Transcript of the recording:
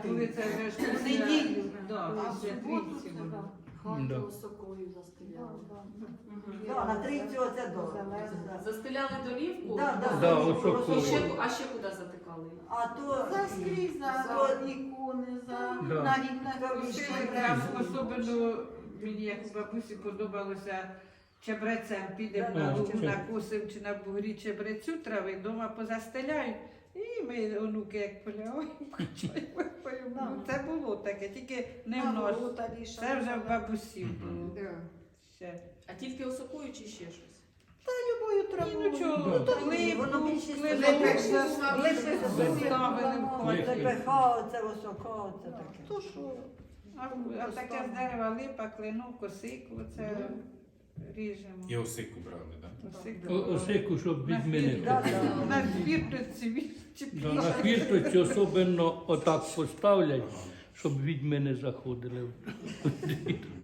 коли це вже ж В після- неділю. Да, А в після суботу трійці це, буде. Да. Хату сокою застеляли. Да, на трійцю оце добре. Застеляли долівку? Да, да, Да, ну, осокою. осокою. А ще куди затикали? А то Заскрізь за за- ікони, за Да. навіть на Там криші. ще Там особливо мені, як у бабусі, подобалося чебрецем. Підемо Да, на да, лугу, чи- накусимо чи на бугрі чебрецю трави, вдома позастеляють. І ми, онуки, як полягаємо, це було таке, тільки не в нас. Це вже в бабусі було. Ще. А тільки осокою чи ще щось? Любою І травою. ну чого, Да. Воно липу, більшість клину, липи заставили в хаті. ЛПХ, оце висока, оце таке. То що? А таке з дерева липа, клину, косику, це ріжемо. І осику брали, так? Осику. Осику, щоб від мене. Да, да. На хвірточці Да, на хвірточці особливо отак поставлять, щоб від мене заходили.